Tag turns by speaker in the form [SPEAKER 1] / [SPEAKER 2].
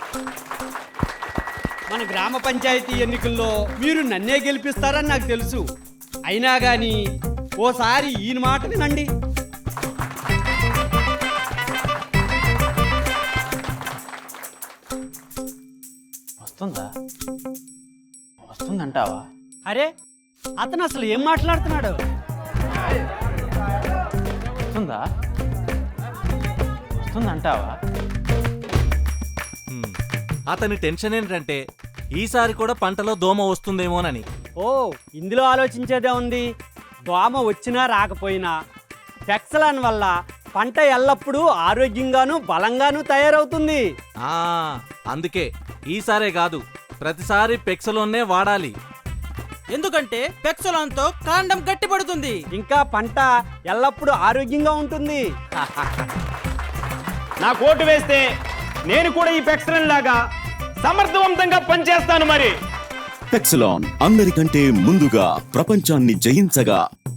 [SPEAKER 1] మన గ్రామ పంచాయతీ ఎన్నికల్లో మీరు నన్నే గెలిపిస్తారని నాకు తెలుసు. అయినా కానీ ఓసారి ఈయన మాట వినండి.
[SPEAKER 2] వస్తుందంటావా?
[SPEAKER 1] అరే, అతను అసలు ఏం మాట్లాడుతున్నాడు?
[SPEAKER 2] వస్తుందంటావా?
[SPEAKER 3] అతని టెన్షన్ ఏంటంటే ఈసారి కూడా పంటలో దోమ వస్తుందేమోనని.
[SPEAKER 1] ఓ, ఇందులో ఆలోచించేదే ఉంది. దోమ వచ్చినా రాకపోయినా పెక్సలాన్ వల్ల పంట ఎల్లప్పుడూ ఆరోగ్యంగాను బలంగాను తయారవుతుంది.
[SPEAKER 3] అందుకే ఈసారే కాదు ప్రతిసారి పెక్సలోనే వాడాలి.
[SPEAKER 4] ఎందుకంటే పెక్సలాన్తో కాండం గట్టిపడుతుంది,
[SPEAKER 1] ఇంకా పంట ఎల్లప్పుడూ ఆరోగ్యంగా ఉంటుంది.
[SPEAKER 5] నాకు ఓటు వేస్తే నేను కూడా ఈ పెక్సలన్ లాగా సమర్థవంతంగా పనిచేస్తాను. మరి
[SPEAKER 6] పెక్సలాన్ అందరికంటే ముందుగా ప్రపంచాన్ని జయించగా